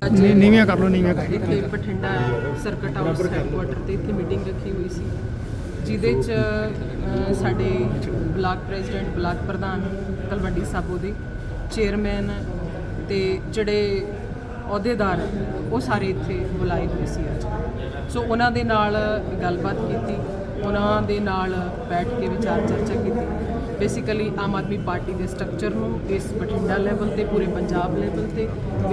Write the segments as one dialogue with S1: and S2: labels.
S1: ਨੀਵੀਆਂ ਕਰ ਲਓ ਨੀਵੀਆਂ ਕਰ
S2: ਇੱਥੇ ਬਠਿੰਡਾ ਸਰਕਟ ਹਾਊਸ ਹੈਡਕੁਆਟਰ ਤੇ ਇੱਥੇ ਮੀਟਿੰਗ ਰੱਖੀ ਹੋਈ ਸੀ ਜਿਹਦੇ 'ਚ ਸਾਡੇ ਬਲਾਕ ਪ੍ਰੈਜ਼ੀਡੈਂਟ ਬਲਾਕ ਪ੍ਰਧਾਨ ਤਲਵੰਡੀ ਸਾਬੋ ਦੇ ਚੇਅਰਮੈਨ ਤੇ ਜਿਹੜੇ ਅਹੁਦੇਦਾਰ ਉਹ ਸਾਰੇ ਇੱਥੇ ਬੁਲਾਏ ਹੋਏ ਸੀ ਅੱਜ। ਸੋ ਉਹਨਾਂ ਦੇ ਨਾਲ ਗੱਲਬਾਤ ਕੀਤੀ, ਉਹਨਾਂ ਦੇ ਨਾਲ ਬੈਠ ਕੇ ਵਿਚਾਰ ਚਰਚਾ ਕੀਤੀ। ਬੇਸਿਕਲੀ ਆਮ ਆਦਮੀ ਪਾਰਟੀ ਦੇ ਸਟਰਕਚਰ ਨੂੰ ਇਸ ਬਠਿੰਡਾ ਲੈਵਲ ਤੇ ਪੂਰੇ ਪੰਜਾਬ ਲੈਵਲ ਤੇ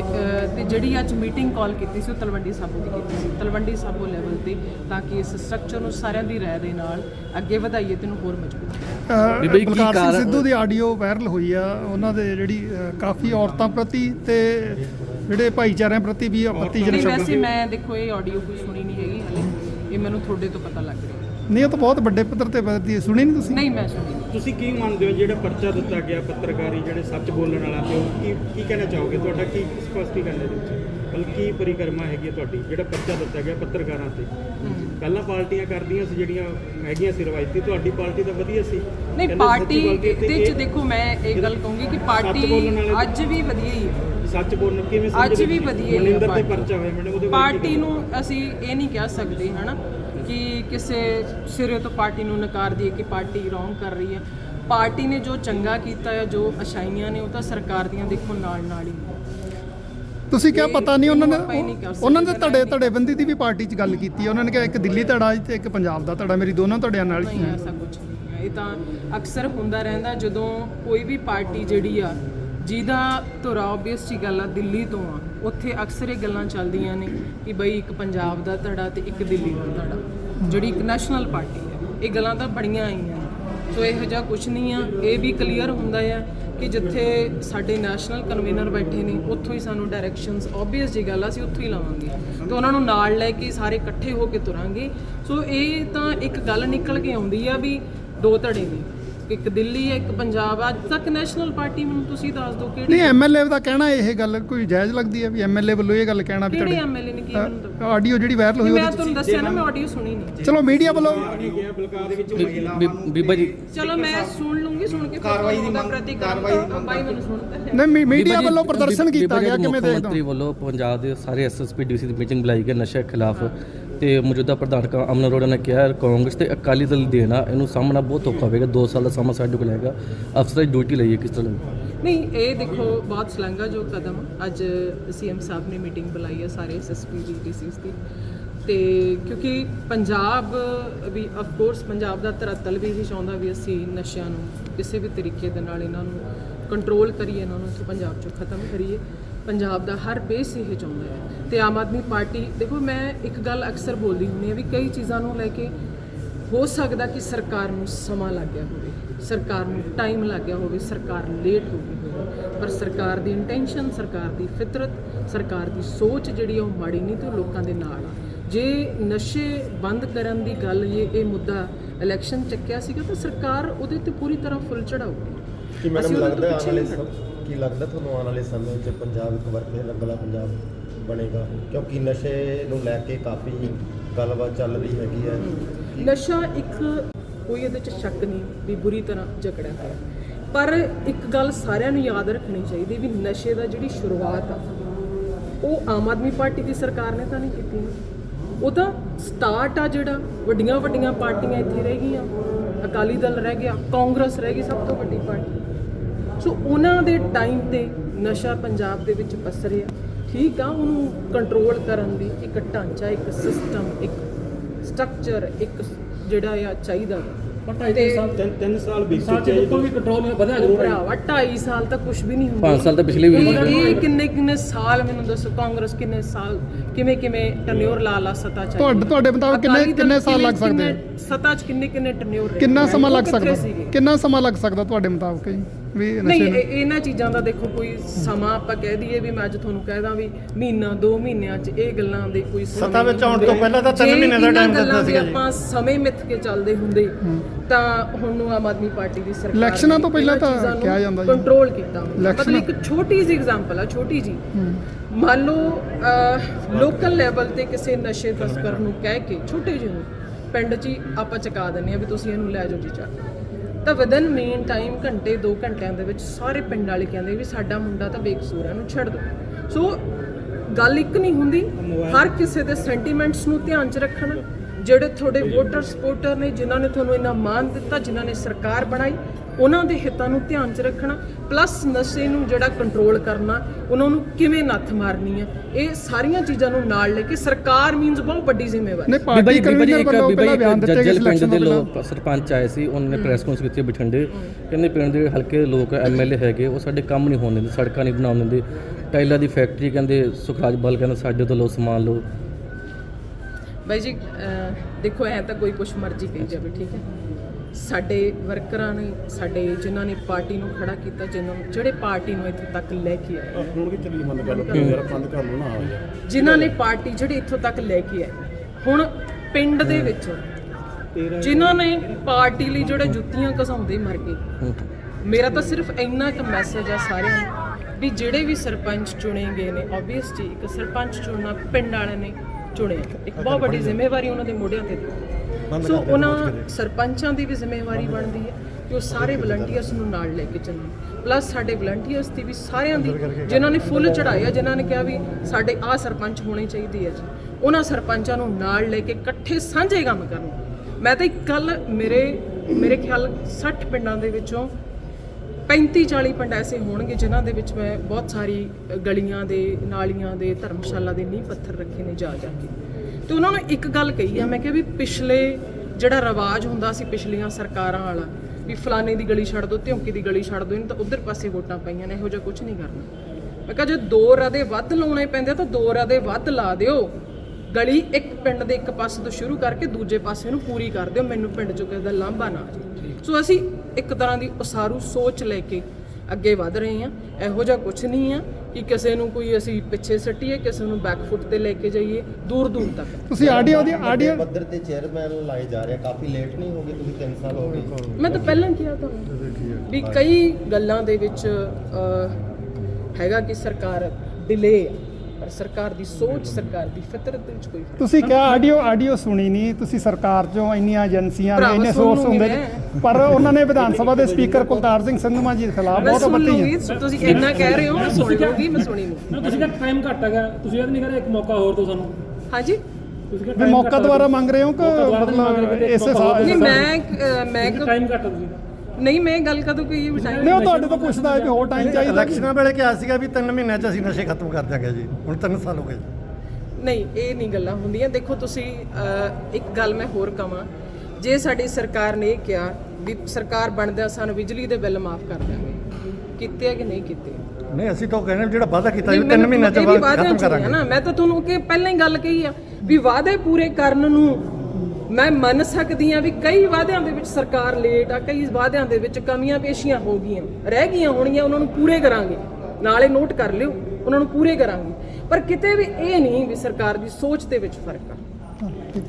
S2: ਜਿਹੜੀ ਅੱਜ ਮੀਟਿੰਗ ਕਾਲ ਕੀਤੀ ਸੀ ਉਹ ਤਲਵੰਡੀ ਸਾਬੋ ਦੀ ਕੀਤੀ ਸੀ, ਤਲਵੰਡੀ ਸਾਬੋ ਲੈਵਲ ਤੇ, ਤਾਂ ਕਿ ਇਸ ਸਟਰਕਚਰ ਨੂੰ ਸਾਰਿਆਂ ਦੀ ਰਾਏ ਦੇ ਨਾਲ ਅੱਗੇ ਵਧਾਈਏ ਤੇ ਇਹਨੂੰ ਹੋਰ ਮਜ਼ਬੂਤ ਕਰੀਏ।
S1: ਬਲਕਾਰ ਸਿੰਘ ਸਿੱਧੂ ਦੀ ਆਡੀਓ ਵਾਇਰਲ ਹੋਈ ਆ, ਉਹਨਾਂ ਦੇ ਜਿਹੜੀ ਕਾਫੀ ਔਰਤਾਂ ਪ੍ਰਤੀ ਤੇ ਜਿਹੜੇ ਭਾਈਚਾਰਿਆਂ ਪ੍ਰਤੀ ਵੀ ਆਪੱਤੀਜਨਕ ਸ਼ਬਦ।
S2: ਵੈਸੇ ਮੈਂ ਦੇਖੋ ਇਹ ਆਡੀਓ ਕੋਈ ਸੁਣੀ ਨਹੀਂ ਹੈਗੀ ਹਲੇ, ਇਹ ਮੈਨੂੰ ਤੁਹਾਡੇ ਤੋਂ ਪਤਾ ਲੱਗ ਰਿਹਾ।
S1: ਨਹੀਂ, ਉਹ ਤਾਂ ਬਹੁਤ ਵੱਡੇ ਪੱਧਰ ਤੇ ਵਧਦੀ, ਸੁਣੀ ਨਹੀਂ ਤੁਸੀਂ?
S2: ਨਹੀਂ, ਮੈਂ ਸੁਣੀ ਨਹੀਂ।
S3: ਤੁਸੀਂ ਕੀ ਮੰਨਦੇ ਹੋ ਜਿਹੜਾ ਪਰਚਾ ਦਿੱਤਾ ਗਿਆ ਪੱਤਰਕਾਰੀ ਜਿਹੜੇ ਸੱਚ ਬੋਲਣ ਵਾਲਾ ਤੇ ਉਹ ਕੀ ਕਹਿਣਾ ਚਾਹੋਗੇ? ਤੁਹਾਡਾ ਕੀ ਸਪਸ਼ਟੀਕਰਨ ਹੈ ਇਹਦੇ ਵਿੱਚ? ਮਤਲਬ ਕੀ ਪਰਿਕਰਮਾ ਹੈਗੀ ਹੈ ਤੁਹਾਡੀ ਜਿਹੜਾ ਪਰਚਾ ਦਿੱਤਾ ਗਿਆ ਪੱਤਰਕਾਰਾਂ ਤੇ? ਪਹਿਲਾਂ ਪਾਰਟੀਆਂ ਕਰਦੀਆਂ ਸੀ ਜਿਹੜੀਆਂ ਹੈਗੀਆਂ ਸੀ ਰਵਾਇਤੀ, ਤੁਹਾਡੀ ਪਾਰਟੀ ਤਾਂ ਵਧੀਆ ਸੀ।
S2: ਨਹੀਂ, ਪਾਰਟੀ ਦੇ ਵਿੱਚ ਦੇਖੋ ਮੈਂ ਇਹ ਗੱਲ ਕਹੂੰਗੀ ਕਿ ਪਾਰਟੀ ਅੱਜ ਵੀ ਵਧੀਆ ਹੀ ਹੈ।
S3: ਸੱਚ ਬੋਲਣ ਕਿਵੇਂ
S2: ਅੱਜ ਵੀ ਵਧੀਆ ਹੀ ਹੈ
S3: ਤੇ ਪਰਚਾ ਹੋਇਆ ਮੈਡਮ ਉਹਦੇ
S2: ਪਾਰਟੀ ਨੂੰ ਅਸੀਂ ਇਹ ਨਹੀਂ ਕਹਿ ਸਕਦੇ ਹਨਾ ਕਿ ਕਿਸੇ ਸਿਰੇ ਤੋਂ ਪਾਰਟੀ ਨੂੰ ਨਕਾਰ ਦਈਏ ਕਿ ਪਾਰਟੀ ਰੌਂਗ ਕਰ ਰਹੀ ਹੈ। ਪਾਰਟੀ ਨੇ ਜੋ ਚੰਗਾ ਕੀਤਾ ਹੈ, ਜੋ ਅਛਾਈਆਂ ਨੇ, ਉਹ ਤਾਂ ਸਰਕਾਰ ਦੀਆਂ ਦੇਖੋ ਨਾਲ ਨਾਲ ਹੀ।
S1: ਤੁਸੀਂ ਕਿਹਾ ਪਤਾ ਨਹੀਂ ਉਹਨਾਂ ਨੇ ਧੜੇਬੰਦੀ ਦੀ ਵੀ ਪਾਰਟੀ 'ਚ ਗੱਲ ਕੀਤੀ ਹੈ। ਉਹਨਾਂ ਨੇ ਕਿਹਾ ਇੱਕ ਦਿੱਲੀ ਧੜਾ ਤੇ ਇੱਕ ਪੰਜਾਬ ਦਾ ਧੜਾ, ਮੇਰੀ ਦੋਨਾਂ ਧੜਿਆਂ ਨਾਲ ਹੀ।
S2: ਨਹੀਂ, ਐਸਾ ਕੁਝ ਨਹੀਂ ਹੈ। ਇਹ ਤਾਂ ਅਕਸਰ ਹੁੰਦਾ ਰਹਿੰਦਾ ਜਦੋਂ ਕੋਈ ਵੀ ਪਾਰਟੀ ਜਿਹੜੀ ਆ ਜਿਹਦਾ ਧੁਰਾ ਓਬਵੀਅਸ ਜੀ ਗੱਲ ਆ ਦਿੱਲੀ ਤੋਂ ਆ, ਉੱਥੇ ਅਕਸਰ ਇਹ ਗੱਲਾਂ ਚੱਲਦੀਆਂ ਨੇ ਕਿ ਬਈ ਇੱਕ ਪੰਜਾਬ ਦਾ ਧੜਾ ਤੇ ਇੱਕ ਦਿੱਲੀ ਦਾ ਧੜਾ, ਜਿਹੜੀ ਇੱਕ ਨੈਸ਼ਨਲ ਪਾਰਟੀ ਹੈ। ਇਹ ਗੱਲਾਂ ਤਾਂ ਬੜੀਆਂ ਆਈਆਂ, ਸੋ ਇਹੋ ਜਿਹਾ ਕੁਝ ਨਹੀਂ ਆ। ਇਹ ਵੀ ਕਲੀਅਰ ਹੁੰਦਾ ਆ ਕਿ ਜਿੱਥੇ ਸਾਡੇ ਨੈਸ਼ਨਲ ਕਨਵੀਨਰ ਬੈਠੇ ਨੇ ਉੱਥੋਂ ਹੀ ਸਾਨੂੰ ਡਾਇਰੈਕਸ਼ਨਸ, ਓਬਵੀਅਸ ਜੀ ਗੱਲ ਆ, ਅਸੀਂ ਉੱਥੋਂ ਹੀ ਲਵਾਂਗੇ ਤੇ ਉਹਨਾਂ ਨੂੰ ਨਾਲ ਲੈ ਕੇ ਸਾਰੇ ਇਕੱਠੇ ਹੋ ਕੇ ਤੁਰਾਂਗੇ। ਸੋ ਇਹ ਤਾਂ ਇੱਕ ਗੱਲ ਨਿਕਲ ਕੇ ਆਉਂਦੀ ਆ ਵੀ ਦੋ ਧੜੇ ਨੇ, ਇੱਕ ਦਿੱਲੀ ਹੈ ਇੱਕ ਪੰਜਾਬ। ਅੱਜ ਤੱਕ ਨੈਸ਼ਨਲ ਪਾਰਟੀ ਮੈਨੂੰ ਤੁਸੀਂ ਦੱਸ ਦਿਓ ਕਿਹੜੀ?
S1: ਨਹੀਂ, ਐਮਐਲਏ ਦਾ ਕਹਿਣਾ ਇਹ ਗੱਲ ਕੋਈ ਜਾਇਜ਼ ਲੱਗਦੀ ਹੈ ਵੀ ਐਮਐਲਏ ਵੱਲੋਂ ਇਹ ਗੱਲ ਕਹਿਣਾ ਵੀ
S2: ਕਿਹੜੇ ਐਮਐਲਏ ਨੇ ਕੀ ਮੈਨੂੰ
S1: ਆਡੀਓ ਜਿਹੜੀ ਵਾਇਰਲ ਹੋਈ?
S2: ਮੈਂ ਤੁਹਾਨੂੰ ਦੱਸਿਆ ਨਾ, ਮੈਂ ਆਡੀਓ ਸੁਣੀ ਨਹੀਂ।
S1: ਚਲੋ ਮੀਡੀਆ ਵੱਲੋਂ
S4: ਬੀਬਾ ਜੀ,
S2: ਚਲੋ ਮੈਂ ਸੁਣ ਲੂੰਗੀ, ਸੁਣ ਕੇ ਕਾਰਵਾਈ ਦੀ ਪ੍ਰਤੀ ਬਾਈ ਮੈਨੂੰ ਸੁਣਦਾ
S1: ਨਹੀਂ, ਮੀਡੀਆ ਵੱਲੋਂ ਪ੍ਰਦਰਸ਼ਨ ਕੀਤਾ ਗਿਆ, ਕਿਵੇਂ ਦੇਖਦੇ ਹੋ?
S4: ਮੰਤਰੀ ਵੱਲੋਂ ਪੰਜਾਬ ਦੇ ਸਾਰੇ ਐਸਐਸਪੀ ਡੀਸੀ ਦੀ ਮੀਟਿੰਗ ਬੁਲਾਈ ਗਈ ਨਸ਼ੇ ਖਿਲਾਫ, ਤੇ ਮੌਜੂਦਾ ਪ੍ਰਧਾਨ ਅਮਨ ਅਰੋੜਾ ਨੇ ਕਿਹਾ ਕਾਂਗਰਸ ਤੇ ਅਕਾਲੀ ਦਲ ਦੇਣਾ ਇਹਨੂੰ ਸਾਹਮਣਾ ਬਹੁਤ ਔਖਾ ਹੋਵੇਗਾ। 2 ਸਾਲ ਦਾ ਸਮਾਂ ਸਾਡੇ ਕੋਲ ਹੈਗਾ, ਅਫਸਰ ਦੀ ਡਿਊਟੀ ਲਈਏ ਕਿਸ ਤਰ੍ਹਾਂ?
S2: ਨਹੀਂ, ਇਹ ਦੇਖੋ ਬਹੁਤ ਸ਼ਲਾਘਾ ਜੋ ਕਦਮ ਅੱਜ ਸੀਐਮ ਸਾਹਿਬ ਨੇ ਮੀਟਿੰਗ ਬੁਲਾਈ ਹੈ ਸਾਰੇ ਐਸਐਸਪੀ ਦੀ ਡੀਸੀਸ ਦੀ, ਤੇ ਕਿਉਂਕਿ ਪੰਜਾਬ ਵੀ ਆਫ ਕੋਰਸ ਪੰਜਾਬ ਦਾ ਧਰਾਤਲ ਵੀ ਇਹੀ ਚਾਹੁੰਦਾ ਵੀ ਅਸੀਂ ਨਸ਼ਿਆਂ ਨੂੰ ਕਿਸੇ ਵੀ ਤਰੀਕੇ ਦੇ ਨਾਲ ਇਹਨਾਂ ਨੂੰ ਕੰਟਰੋਲ ਕਰੀਏ, ਇਹਨਾਂ ਨੂੰ ਇੱਥੋਂ ਪੰਜਾਬ 'ਚੋਂ ਖਤਮ ਕਰੀਏ। ਪੰਜਾਬ ਦਾ ਹਰ ਬੇਸ ਇਹ ਚਾਹੁੰਦਾ ਹੈ। ਤੇ ਆਮ ਆਦਮੀ ਪਾਰਟੀ ਦੇਖੋ, ਮੈਂ ਇੱਕ ਗੱਲ ਅਕਸਰ ਬੋਲਦੀ ਹੁੰਦੀ ਹਾਂ ਵੀ ਕਈ ਚੀਜ਼ਾਂ ਨੂੰ ਲੈ ਕੇ ਹੋ ਸਕਦਾ ਕਿ ਸਰਕਾਰ ਨੂੰ ਸਮਾਂ ਲੱਗ ਗਿਆ ਹੋਵੇ, ਸਰਕਾਰ ਨੂੰ ਟਾਈਮ ਲੱਗ ਗਿਆ ਹੋਵੇ, ਸਰਕਾਰ ਲੇਟ ਹੋ ਗਈ ਹੋਵੇ, ਪਰ ਸਰਕਾਰ ਦੀ ਇੰਟੈਂਸ਼ਨ, ਸਰਕਾਰ ਦੀ ਫਿਤਰਤ, ਸਰਕਾਰ ਦੀ ਸੋਚ ਜਿਹੜੀ ਉਹ ਮਾੜੀ ਨਹੀਂ ਤੇ ਉਹ ਲੋਕਾਂ ਦੇ ਨਾਲ ਆ। ਜੇ ਨਸ਼ੇ ਬੰਦ ਕਰਨ ਦੀ ਗੱਲ ਇਹ ਮੁੱਦਾ ਇਲੈਕਸ਼ਨ ਚੱਕਿਆ ਸੀਗਾ ਤਾਂ ਸਰਕਾਰ ਉਹਦੇ ਤੇ ਪੂਰੀ ਤਰ੍ਹਾਂ ਫੁੱਲ ਚੜਾਊਗੀ।
S5: ਕੀ ਮੈਨੂੰ ਲੱਗਦਾ ਕੀ ਲੱਗਦਾ ਤੁਹਾਨੂੰ ਆਉਣ ਵਾਲੇ ਸਮੇਂ 'ਚ ਪੰਜਾਬ ਇੱਕ ਵਾਰ ਫਿਰ ਰੰਗਲਾ ਪੰਜਾਬ ਬਣੇਗਾ? ਕਿਉਂਕਿ ਨਸ਼ੇ ਨੂੰ ਲੈ ਕੇ ਕਾਫੀ ਗੱਲਬਾਤ ਚੱਲ ਰਹੀ ਹੈਗੀ ਹੈ।
S2: ਨਸ਼ਾ ਇੱਕ ਕੋਈ ਇਹਦੇ 'ਚ ਸ਼ੱਕ ਨਹੀਂ ਵੀ ਬੁਰੀ ਤਰ੍ਹਾਂ ਜਕੜਿਆ ਹੋਇਆ, ਪਰ ਇੱਕ ਗੱਲ ਸਾਰਿਆਂ ਨੂੰ ਯਾਦ ਰੱਖਣੀ ਚਾਹੀਦੀ ਵੀ ਨਸ਼ੇ ਦਾ ਜਿਹੜੀ ਸ਼ੁਰੂਆਤ ਆ ਉਹ ਆਮ ਆਦਮੀ ਪਾਰਟੀ ਦੀ ਸਰਕਾਰ ਨੇ ਤਾਂ ਨਹੀਂ ਕੀਤੀ, ਉਹ ਤਾਂ ਸਟਾਰਟ ਆ ਜਿਹੜਾ ਵੱਡੀਆਂ ਵੱਡੀਆਂ ਪਾਰਟੀਆਂ ਇੱਥੇ ਰਹਿ ਗਈਆਂ, ਅਕਾਲੀ ਦਲ ਰਹਿ ਗਿਆ, ਕਾਂਗਰਸ ਰਹਿ ਗਈ ਸਭ ਤੋਂ ਵੱਡੀ ਪਾਰਟੀ। ਸੋ ਉਹਨਾਂ ਦੇ ਟਾਈਮ ਤੇ ਨਸ਼ਾ ਪੰਜਾਬ ਦੇ ਵਿੱਚ ਪਸਰਿਆ, ਠੀਕ ਆ, ਉਹਨੂੰ ਕੰਟਰੋਲ ਕਰਨ ਦੀ ਇੱਕ ਢਾਂਚਾ, ਇੱਕ ਸਿਸਟਮ, ਇੱਕ ਸਟਰਕਚਰ, ਇੱਕ ਜਿਹੜਾ ਆ ਚਾਹੀਦਾ।
S3: 3 ਸਾਲ ਬੀਤੇ
S4: ਕੋਈ ਵੀ ਕੰਟਰੋਲ ਨਹੀਂ ਵਧਿਆ ਜ਼ਰੂਰ ਹੈ
S2: ਭਰਾਵਾ, 2.5 ਸਾਲ ਤਾਂ ਕੁਝ ਵੀ ਨਹੀਂ ਹੁੰਦਾ।
S4: 5 ਸਾਲ ਤਾਂ ਪਿਛਲੇ ਵੀ
S2: ਇਹ ਕਿੰਨੇ ਸਾਲ ਮੈਨੂੰ ਦੱਸੋ, ਕਾਂਗਰਸ ਕਿੰਨੇ ਸਾਲ ਕਿਵੇਂ ਟਨਿਓਰ ਲਾ ਸੱਤਾ ਚ?
S1: ਤੁਹਾਡੇ ਮੁਤਾਬਕ ਕਿੰਨੇ ਸਾਲ ਲੱਗ ਸਕਦੇ?
S2: ਸੱਤਾ ਚ ਕਿੰਨੇ ਟਨਿਓਰ ਰਹੇ?
S1: ਕਿੰਨਾ ਸਮਾਂ ਲੱਗ ਸਕਦਾ ਤੁਹਾਡੇ ਮੁਤਾਬਕ ਜੀ?
S2: ਨਹੀਂ, ਇਹਨਾਂ ਚੀਜ਼ਾਂ ਦਾ ਦੇਖੋ ਕੋਈ ਸਮਾਂ ਆਪਾਂ ਕਹਿ ਦਈਏ ਵੀ ਮੈਂ ਅੱਜ ਤੁਹਾਨੂੰ ਕਹਿ ਦਾਂ ਵੀ ਮਹੀਨਾ 2 ਮਹੀਨਿਆਂ 'ਚ ਇਹ ਗੱਲਾਂ ਦੇ ਕੋਈ
S1: ਸੱਤਾ ਵਿੱਚ ਆਉਣ ਤੋਂ ਪਹਿਲਾਂ ਤਾਂ 3 ਮਹੀਨੇ ਦਾ ਟਾਈਮ ਦਿੱਤਾ ਸੀਗਾ ਜੀ।
S2: ਆਪਾਂ ਸਮੇਂ ਮਿੱਥ ਕੇ ਚੱਲਦੇ ਹੁੰਦੇ ਤਾਂ ਹੁਣ ਨੂੰ ਆਮ ਆਦਮੀ ਪਾਰਟੀ ਦੀ ਸਰਕਾਰ
S1: ਇਲੈਕਸ਼ਨਾਂ ਤੋਂ ਪਹਿਲਾਂ ਤਾਂ ਕਿਹਾ ਜਾਂਦਾ ਜੀ
S2: ਕੰਟਰੋਲ ਕੀਤਾ। ਮਤਲਬ ਇੱਕ ਛੋਟੀ ਜਿਹੀ ਐਗਜ਼ਾਮਪਲ ਆ, ਛੋਟੀ ਜੀ, ਮੰਨ ਲਓ ਲੋਕਲ ਲੈਵਲ ਤੇ ਕਿਸੇ ਨਸ਼ੇ ਤਸਕਰ ਨੂੰ ਕਹਿ ਕੇ ਛੋਟੇ ਜਿਹੇ ਨੂੰ ਪਿੰਡ 'ਚ ਹੀ ਆਪਾਂ ਚੁਕਾ ਦਿੰਦੇ ਆ ਵੀ ਤੁਸੀਂ ਇਹਨੂੰ ਲੈ ਜਾਓ ਜੀ ਚੱਕ, ਤਾਂ ਵਿਦਨ ਮੇਨ ਟਾਈਮ ਘੰਟੇ 2 ਘੰਟਿਆਂ ਦੇ ਵਿੱਚ ਸਾਰੇ ਪਿੰਡ ਵਾਲੇ ਕਹਿੰਦੇ ਵੀ ਸਾਡਾ ਮੁੰਡਾ ਤਾਂ ਬੇਕਸੂਰ ਹੈ, ਇਹਨੂੰ ਛੱਡ ਦਿਓ। ਸੋ ਗੱਲ ਇੱਕ ਨਹੀਂ ਹੁੰਦੀ, ਹਰ ਕਿਸੇ ਦੇ ਸੈਂਟੀਮੈਂਟਸ ਨੂੰ ਧਿਆਨ 'ਚ ਰੱਖਣਾ। ਜਿਹੜੇ ਤੁਹਾਡੇ ਵੋਟਰ ਸਪੋਰਟਰ ਨੇ, ਜਿਨ੍ਹਾਂ ਨੇ ਤੁਹਾਨੂੰ ਇੰਨਾ ਮਾਣ ਦਿੱਤਾ, ਜਿਨ੍ਹਾਂ ਨੇ ਸਰਕਾਰ ਬਣਾਈ, ਉਹਨਾਂ ਦੇ ਹਿੱਤਾਂ ਨੂੰ ਧਿਆਨ 'ਚ ਰੱਖਣਾ, ਪਲੱਸ ਨਸ਼ੇ ਨੂੰ ਜਿਹੜਾ ਕੰਟਰੋਲ ਕਰਨਾ, ਉਹਨਾਂ ਨੂੰ ਕਿਵੇਂ ਨੱਥ ਮਾਰਨੀ ਹੈ, ਇਹ ਸਾਰੀਆਂ ਚੀਜ਼ਾਂ ਨੂੰ ਨਾਲ ਲੈ ਕੇ ਸਰਕਾਰ ਮੀਨਸ ਬਹੁਤ ਵੱਡੀ ਜ਼ਿੰਮੇਵਾਰੀ।
S1: ਨੇ ਪਾਰਟੀ ਕਨਵੀਨਰ ਵੱਲੋਂ ਪਹਿਲਾਂ ਬਿਆਨ ਦਿੱਤੇ ਗਏ
S4: ਜੱਜਲ ਪਿੰਡ
S1: ਸਿਲੈਕਸ਼ਨ
S4: ਦੇ
S1: ਤੋਂ
S4: ਲੋਕ ਸਰਪੰਚ ਆਏ ਸੀ, ਉਹਨਾਂ ਨੇ ਪ੍ਰੈਸ ਕਾਨਫਰੰਸ ਕੀਤੀ ਬਠਿੰਡੇ, ਕਹਿੰਦੇ ਪਿੰਡ ਦੇ ਹਲਕੇ ਲੋਕ ਐਮਐਲਏ ਹੈਗੇ, ਉਹ ਸਾਡੇ ਕੰਮ ਨਹੀਂ ਹੋਣ ਦਿੰਦੇ, ਸੜਕਾਂ ਨਹੀਂ ਬਣਾਉਣ ਦਿੰਦੇ, ਟਾਈਲਾਂ ਦੀ ਫੈਕਟਰੀ ਕਹਿੰਦੇ ਸੁਖਰਾਜ ਬਲ ਕਹਿੰਦਾ ਸਾਡੇ ਤੋਂ ਲਓ ਸਮਾਨ ਲਓ।
S2: ਬਾਈ ਜੀ ਦੇਖੋ, ਐ ਤਾਂ ਕੋਈ ਕੁਛ ਮਰਜ਼ੀ ਕਹੀ ਜਾਵੇ, ਠੀਕ ਹੈ। ਸਾਡੇ ਵਰਕਰਾਂ ਨੇ, ਸਾਡੇ ਜਿਨ੍ਹਾਂ ਨੇ ਪਾਰਟੀ ਨੂੰ ਖੜਾ ਕੀਤਾ, ਜਿਹੜੇ ਪਾਰਟੀ ਨੂੰ ਇੱਥੇ ਤੱਕ ਲੈ ਕੇ ਆਏ, ਜਿਨ੍ਹਾਂ ਨੇ ਪਾਰਟੀ ਜਿਹੜੀ ਇੱਥੋਂ ਤੱਕ ਲੈ ਕੇ ਆਏ, ਹੁਣ ਪਿੰਡ ਦੇ ਵਿੱਚ ਜਿਨ੍ਹਾਂ ਨੇ ਪਾਰਟੀ ਲਈ ਜਿਹੜੇ ਜੁੱਤੀਆਂ ਘਸਾਉਂਦੇ ਮਰ ਗਏ। ਮੇਰਾ ਤਾਂ ਸਿਰਫ ਇੰਨਾ ਇੱਕ ਮੈਸੇਜ ਆ ਸਾਰਿਆਂ ਨੂੰ ਵੀ ਜਿਹੜੇ ਵੀ ਸਰਪੰਚ ਚੁਣੇ ਗਏ ਨੇ, ਓਬਵੀਅਸ ਜੀ ਇੱਕ ਸਰਪੰਚ ਚੁਣਨਾ ਪਿੰਡ ਵਾਲਿਆਂ ਨੇ ਚੁਣਿਆ, ਇੱਕ ਬਹੁਤ ਵੱਡੀ ਜ਼ਿੰਮੇਵਾਰੀ ਉਹਨਾਂ ਦੇ ਮੋਢਿਆਂ ਤੇ ਦਿੱਤੀ। ਸੋ ਉਹਨਾਂ ਸਰਪੰਚਾਂ ਦੀ ਵੀ ਜ਼ਿੰਮੇਵਾਰੀ ਬਣਦੀ ਹੈ ਕਿ ਉਹ ਸਾਰੇ ਵਲੰਟੀਅਰਸ ਨੂੰ ਨਾਲ ਲੈ ਕੇ ਚੱਲਣ, ਪਲੱਸ ਸਾਡੇ ਵਲੰਟੀਅਰਸ ਦੀ ਵੀ ਸਾਰਿਆਂ ਦੀ, ਜਿਨ੍ਹਾਂ ਨੇ ਫੁੱਲ ਚੜਾਇਆ, ਜਿਨ੍ਹਾਂ ਨੇ ਕਿਹਾ ਵੀ ਸਾਡੇ ਆਹ ਸਰਪੰਚ ਹੋਣੇ ਚਾਹੀਦੇ ਹੈ ਜੀ, ਉਹਨਾਂ ਸਰਪੰਚਾਂ ਨੂੰ ਨਾਲ ਲੈ ਕੇ ਇਕੱਠੇ ਸਾਂਝੇ ਕੰਮ ਕਰਨ। ਮੈਂ ਤਾਂ ਇੱਕ ਗੱਲ, ਮੇਰੇ ਖਿਆਲ 60 ਪਿੰਡਾਂ ਦੇ ਵਿੱਚੋਂ 35-40 ਪਿੰਡ ਐਸੇ ਹੋਣਗੇ ਜਿਨ੍ਹਾਂ ਦੇ ਵਿੱਚ ਮੈਂ ਬਹੁਤ ਸਾਰੀ ਗਲੀਆਂ ਦੇ, ਨਾਲੀਆਂ ਦੇ, ਧਰਮਸ਼ਾਲਾ ਦੇ ਨੀਂਹ ਪੱਥਰ ਰੱਖੇ ਨੇ ਜਾ ਕੇ, ਤੇ ਉਹਨਾਂ ਨੂੰ ਇੱਕ ਗੱਲ ਕਹੀ ਆ ਮੈਂ ਕਿ ਵੀ ਪਿਛਲੇ ਜਿਹੜਾ ਰਿਵਾਜ ਹੁੰਦਾ ਸੀ ਪਿਛਲੀਆਂ ਸਰਕਾਰਾਂ ਵਾਲਾ ਵੀ ਫਲਾਣੇ ਦੀ ਗਲੀ ਛੱਡ ਦਿਓ, ਧਿਉਂਕੀ ਦੀ ਗਲੀ ਛੱਡ ਦਿਓ, ਇਹਨੂੰ ਤਾਂ ਉਧਰ ਪਾਸੇ ਵੋਟਾਂ ਪਈਆਂ ਨੇ, ਇਹੋ ਜਿਹਾ ਕੁਝ ਨਹੀਂ ਕਰਨਾ। ਮੈਂ ਕਿਹਾ ਜੇ 2 ਰਾਦੇ ਵੱਧ ਲਾਉਣੇ ਪੈਂਦੇ ਤਾਂ 2 ਰਾਦੇ ਵੱਧ ਲਾ ਦਿਓ, ਗਲੀ ਇੱਕ ਪਿੰਡ ਦੇ ਇੱਕ ਪਾਸੇ ਤੋਂ ਸ਼ੁਰੂ ਕਰਕੇ ਦੂਜੇ ਪਾਸੇ ਨੂੰ ਪੂਰੀ ਕਰ ਦਿਓ, ਮੈਨੂੰ ਪਿੰਡ 'ਚੋਂ ਕਿਸੇ ਦਾ ਲਾਂਭਾ ਨਾ ਆ ਜਾਏ। ਸੋ ਅਸੀਂ ਇੱਕ ਤਰ੍ਹਾਂ ਦੀ ਉਸਾਰੂ ਸੋਚ ਲੈ ਕੇ ਅੱਗੇ ਵਧ ਰਹੇ ਹਾਂ। ਇਹੋ ਜਿਹਾ ਕੁਝ ਨਹੀਂ ਆ ਕਿ ਕਿਸੇ ਨੂੰ ਕੋਈ ਅਸੀਂ ਪਿੱਛੇ ਸੱਟੀਏ, ਕਿਸੇ ਨੂੰ ਬੈਕਫੁੱਟ ਤੇ ਲੈ ਕੇ ਜਾਈਏ ਦੂਰ ਦੂਰ ਤੱਕ।
S1: ਤੁਸੀਂ ਆਡੀਓ
S5: ਪੱਧਰ ਤੇ ਚੇਅਰਮੈਨ ਲਾਏ ਜਾ ਰਿਹਾ, ਕਾਫੀ ਲੇਟ ਨਹੀਂ ਹੋ ਗਏ ਤੁਸੀਂ? 3 ਸਾਲ ਹੋ ਗਏ।
S2: ਮੈਂ ਤਾਂ ਪਹਿਲਾਂ ਕਿਹਾ ਤੁਹਾਨੂੰ ਵੀ ਕਈ ਗੱਲਾਂ ਦੇ ਵਿੱਚ ਹੈਗਾ ਕਿ ਸਰਕਾਰ ਡਿਲੇ, ਪਰ ਸਰਕਾਰ ਦੀ ਸੋਚ, ਸਰਕਾਰ ਦੀ ਫਿਤਰਤ ਦੇ ਵਿੱਚ ਕੋਈ ਫਰਕ।
S1: ਤੁਸੀਂ ਕਿਹਾ ਆਡੀਓ ਸੁਣੀ ਨਹੀਂ, ਤੁਸੀਂ ਸਰਕਾਰ 'ਚੋਂ ਇੰਨੀਆਂ ਏਜੰਸੀਆਂ ਨੇ, ਇੰਨੇ ਸੋਰਸ ਹੁੰਦੇ ਨੇ, ਪਰ ਉਹਨਾਂ ਨੇ ਵਿਧਾਨ ਸਭਾ ਦੇ ਸਪੀਕਰ ਕੁਲਤਾਰ ਸਿੰਘ ਸੰਧਵਾ ਜੀ ਦੇ ਖਿਲਾਫ ਬਹੁਤ ਬੱਤੀ ਹੈ।
S2: ਤੁਸੀਂ ਇੰਨਾ ਕਹਿ ਰਹੇ ਹੋ, ਮੈਂ ਸੁਣ ਲੂੰਗੀ, ਮੈਂ ਸੁਣੀ ਨਹੀਂ।
S6: ਤੁਸੀਂ ਕਿਹਾ ਟਾਈਮ ਘੱਟ ਹੈਗਾ, ਤੁਸੀਂ ਇਹ ਨਹੀਂ ਕਹਿੰਦੇ ਇੱਕ ਮੌਕਾ ਹੋਰ ਦਿਓ ਸਾਨੂੰ?
S2: ਹਾਂਜੀ,
S6: ਤੁਸੀਂ
S1: ਵੀ ਮੌਕਾ ਦੁਬਾਰਾ ਮੰਗ ਰਹੇ ਹੋ ਕਿ ਮਤਲਬ ਇਸੇ ਸਾਲ?
S2: ਨਹੀਂ ਮੈਂ
S6: ਟਾਈਮ ਘੱਟ ਤੁਸੀਂ
S2: ਨਹੀਂ, ਮੈਂ ਗੱਲ ਕਦੋਂ ਕਹੀ ਹੈ ਵੀ ਟਾਈਮ
S1: ਨਹੀਂ, ਉਹ ਤੁਹਾਡੇ ਤੋਂ ਪੁੱਛਦਾ ਹੈ ਕਿ ਹੋਰ ਟਾਈਮ ਚਾਹੀਦਾ।
S7: ਇਲੈਕਸ਼ਨਾਂ ਵੇਲੇ ਕਿਹਾ ਸੀਗਾ ਵੀ 3 ਮਹੀਨਿਆਂ 'ਚ ਅਸੀਂ ਨਸ਼ੇ ਖਤਮ ਕਰ ਦਿਆਂਗੇ ਜੀ, ਹੁਣ 3 ਸਾਲ ਹੋ ਗਏ।
S2: ਨਹੀਂ, ਇਹ ਨਹੀਂ ਗੱਲਾਂ ਹੁੰਦੀਆਂ। ਦੇਖੋ ਤੁਸੀਂ ਇੱਕ ਗੱਲ ਮੈਂ ਹੋਰ ਕਹਾਂ, ਜੇ ਸਾਡੀ ਸਰਕਾਰ ਨੇ ਇਹ ਕਿਹਾ ਵੀ ਸਰਕਾਰ ਬਣਦਿਆਂ ਸਾਨੂੰ ਬਿਜਲੀ ਦੇ ਬਿੱਲ ਮਾਫ ਕਰ ਦਿਆਂਗੇ, ਕੀਤੇ ਆ ਕਿ ਨਹੀਂ ਕੀਤੇ?
S7: ਨਹੀਂ, ਅਸੀਂ ਤਾਂ ਕਹਿੰਦੇ ਜਿਹੜਾ ਵਾਅਦਾ ਕੀਤਾ ਜੀ
S2: ਨਹੀਂ,
S7: 3 ਮਹੀਨਿਆਂ 'ਚ
S2: ਇਹ ਵੀ ਵਾਅਦਿਆਂ
S7: ਖਤਮ
S2: 'ਚ ਹੀ ਆ
S7: ਕਰਾਂਗੇ
S2: ਨਾ। ਮੈਂ ਤਾਂ ਤੁਹਾਨੂੰ ਕਿ ਪਹਿਲਾਂ ਹੀ ਗੱਲ ਕਹੀ ਆ ਵੀ ਵਾਅਦੇ ਪੂਰੇ ਕਰਨ ਨੂੰ ਮੈਂ ਮੰਨ ਸਕਦੀ ਹਾਂ ਵੀ ਕਈ ਵਾਅਦਿਆਂ ਦੇ ਵਿੱਚ ਸਰਕਾਰ ਲੇਟ ਆ, ਕਈ ਵਾਅਦਿਆਂ ਦੇ ਵਿੱਚ ਕਮੀਆਂ ਪੇਸ਼ੀਆਂ ਹੋ ਗਈਆਂ, ਰਹਿ ਗਈਆਂ ਹੋਣਗੀਆਂ, ਉਹਨਾਂ ਨੂੰ ਪੂਰੇ ਕਰਾਂਗੇ, ਨਾਲੇ ਨੋਟ ਕਰ ਲਿਓ, ਉਹਨਾਂ ਨੂੰ ਪੂਰੇ ਕਰਾਂਗੇ। ਪਰ ਕਿਤੇ ਵੀ ਇਹ ਨਹੀਂ ਵੀ ਸਰਕਾਰ ਦੀ ਸੋਚ ਦੇ ਵਿੱਚ ਫਰਕ ਆ।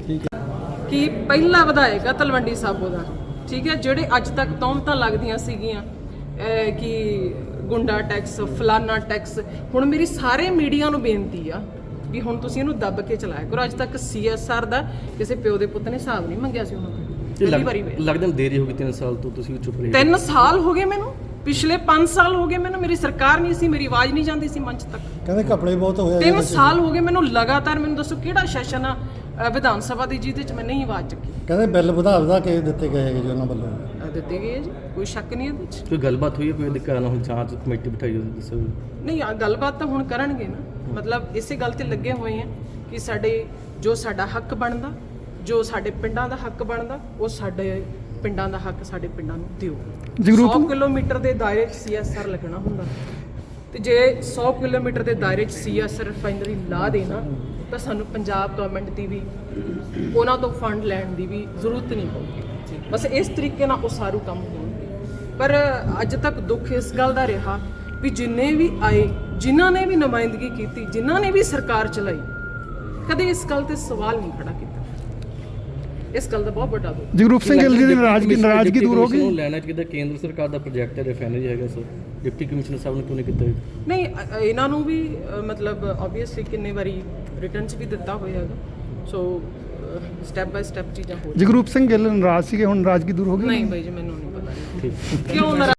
S2: ਕਿ ਪਹਿਲਾ ਵਿਧਾਇਕ ਆ ਤਲਵੰਡੀ ਸਾਬੋ ਦਾ, ਠੀਕ ਹੈ, ਜਿਹੜੇ ਅੱਜ ਤੱਕ ਤੌਹਮਤਾਂ ਲੱਗਦੀਆਂ ਸੀਗੀਆਂ ਕਿ ਗੁੰਡਾ ਟੈਕਸ, ਫਲਾਨਾ ਟੈਕਸ, ਹੁਣ ਮੇਰੀ ਸਾਰੇ ਮੀਡੀਆ ਨੂੰ ਬੇਨਤੀ ਆ ਵੀ ਹੁਣ ਤੁਸੀਂ ਇਹਨੂੰ ਦੱਬ ਕੇ ਚਲਾਇਆ ਕਰੋ। ਅੱਜ ਤੱਕ CSR ਦਾ ਕਿਸੇ ਪਿਓ ਦੇ ਪੁੱਤ ਨੇ ਹਿਸਾਬ ਨਹੀਂ ਮੰਗਿਆ ਸੀ ਉਹਨਾਂ ਤੋਂ, ਪਹਿਲੀ ਵਾਰੀ ਹੋਇਆ।
S4: ਲੱਗਦਾ ਦੇਰੀ ਹੋ ਗਈ 3 ਸਾਲ ਤੋਂ, ਤੁਸੀਂ ਚੁੱਪ ਰਹੇ।
S2: 3 ਸਾਲ ਹੋ ਗਏ ਮੈਨੂੰ, ਪਿਛਲੇ 5 ਸਾਲ ਹੋ ਗਏ ਮੈਨੂੰ, ਮੇਰੀ ਸਰਕਾਰ ਨਹੀਂ ਸੀ, ਮੇਰੀ ਆਵਾਜ਼ ਨਹੀਂ ਜਾਂਦੀ ਸੀ ਮੰਚ ਤੱਕ।
S7: ਕਹਿੰਦੇ ਘਪਲੇ ਬਹੁਤ ਹੋਇਆ।
S2: 3 ਸਾਲ ਹੋ ਗਏ ਮੈਨੂੰ ਲਗਾਤਾਰ। ਮੈਨੂੰ ਦੱਸੋ ਕਿਹੜਾ ਸੈਸ਼ਨ ਆ ਵਿਧਾਨ ਸਭਾ ਦੀ ਜਿਹਦੇ 'ਚ ਮੈਂ ਨਹੀਂ ਆਵਾਜ਼ ਚੱਕੀ?
S7: ਕਹਿੰਦੇ ਬਿੱਲ ਵਧਾ ਕੇ ਦਿੱਤੇ ਗਏ ਹੈਗੇ ਜੀ ਉਹਨਾਂ ਵੱਲੋਂ।
S2: ਦਿੱਤੇ ਗਏ ਜੀ, ਕੋਈ ਸ਼ੱਕ ਨਹੀਂ ਇਹਦੇ 'ਚ।
S4: ਕੋਈ ਗੱਲਬਾਤ ਹੋਈ ਹੈ, ਕੋਈ ਦਿੱਕਤ ਨਾ, ਹੁਣ ਜਾਂਚ ਕਮੇਟੀ ਬਿਠਾਈ ਹੋਈ ਦੱਸੋ।
S2: ਨਹੀਂ, ਗੱਲਬਾਤ ਤਾਂ ਹੁਣ ਕਰਨਗੇ ਨਾ, ਮਤਲਬ ਇਸੇ ਗੱਲ ਤੇ ਲੱਗੇ ਹੋਏ ਆ ਕਿ ਸਾਡੇ ਜੋ ਸਾਡਾ ਹੱਕ ਬਣਦਾ, ਜੋ ਸਾਡੇ ਪਿੰਡਾਂ ਦਾ ਹੱਕ ਬਣਦਾ, ਉਹ ਸਾਡੇ ਪਿੰਡਾਂ ਦਾ ਹੱਕ ਸਾਡੇ ਪਿੰਡਾਂ ਨੂੰ ਦਿਓ। 100 ਕਿਲੋਮੀਟਰ ਦੇ ਦਾਇਰੇ 'ਚ CSR ਲੱਗਣਾ ਹੁੰਦਾ, ਤੇ ਜੇ 100 ਕਿਲੋਮੀਟਰ ਦੇ ਦਾਇਰੇ 'ਚ CSR ਰਿਫਾਈਨਰੀ ਲਾ ਦੇਣਾ ਤਾਂ ਸਾਨੂੰ ਪੰਜਾਬ ਗਵਰਨਮੈਂਟ ਦੀ ਵੀ ਉਹਨਾਂ ਤੋਂ ਫੰਡ ਲੈਣ ਦੀ ਵੀ ਜ਼ਰੂਰਤ ਨਹੀਂ ਪਊਗੀ। ਬਸ ਇਸ ਤਰੀਕੇ ਨਾਲ ਉਸਾਰੂ ਕੰਮ ਹੋਣਗੇ। ਪਰ ਅੱਜ ਤੱਕ ਦੁੱਖ ਇਸ ਗੱਲ ਦਾ ਰਿਹਾ ਵੀ ਜਿੰਨੇ ਵੀ ਆਏ, ਜਿਨ੍ਹਾਂ ਨੇ ਵੀ ਨੁਮਾਇੰਦਗੀ ਕੀਤੀ, ਜਿਨ੍ਹਾਂ ਨੇ ਵੀ ਸਰਕਾਰ ਚਲਾਈ, ਕਦੇ ਇਸ ਗੱਲ ਤੇ ਸਵਾਲ ਨਹੀਂ ਖੜਾ ਕੀਤਾ। ਇਸ ਗੱਲ ਦਾ ਬਹੁਤ ਵੱਡਾ ਦੁੱਖ।
S1: ਜਗਰੂਪ ਸਿੰਘ ਗਿੱਲ ਜੀ ਦੀ ਨਾਰਾਜ਼ਗੀ ਦੂਰ ਹੋ ਗਈ।
S4: ਲੈਣਾ ਚਾਹੀਦਾ, ਕੇਂਦਰ ਸਰਕਾਰ ਦਾ ਪ੍ਰੋਜੈਕਟ ਹੈ, ਰਿਫਾਈਨਰੀ ਹੈਗਾ ਸਰ, ਡਿਪਟੀ ਕਮਿਸ਼ਨਰ ਸਾਹਿਬ ਨੇ ਕਿਉਂ ਨਹੀਂ ਕੀਤਾ?
S2: ਨਹੀਂ, ਇਹਨਾਂ ਨੂੰ ਵੀ ਮਤਲਬ ਆਬਵੀਅਸਲੀ ਕਿੰਨੇ ਵਾਰੀ ਰਿਟਰਨ 'ਚ ਵੀ ਦਿੱਤਾ ਹੋਇਆ ਹੈਗਾ। ਸੋ ਸਟੈਪ ਬਾਈ ਸਟੈਪ ਚੀਜ਼ਾਂ ਹੋ
S1: ਜਗਰੂਪ ਸਿੰਘ ਗਿੱਲ ਨਾਰਾਜ਼ ਸੀਗੇ, ਹੁਣ ਨਾਰਾਜ਼ਗੀ ਦੂਰ ਹੋ ਗਈ?
S2: ਨਹੀਂ ਬਾਈ ਜੀ, ਮੈਨੂੰ ਨਹੀਂ ਪਤਾ ਕਿਉਂ ਨਾਰਾਜ਼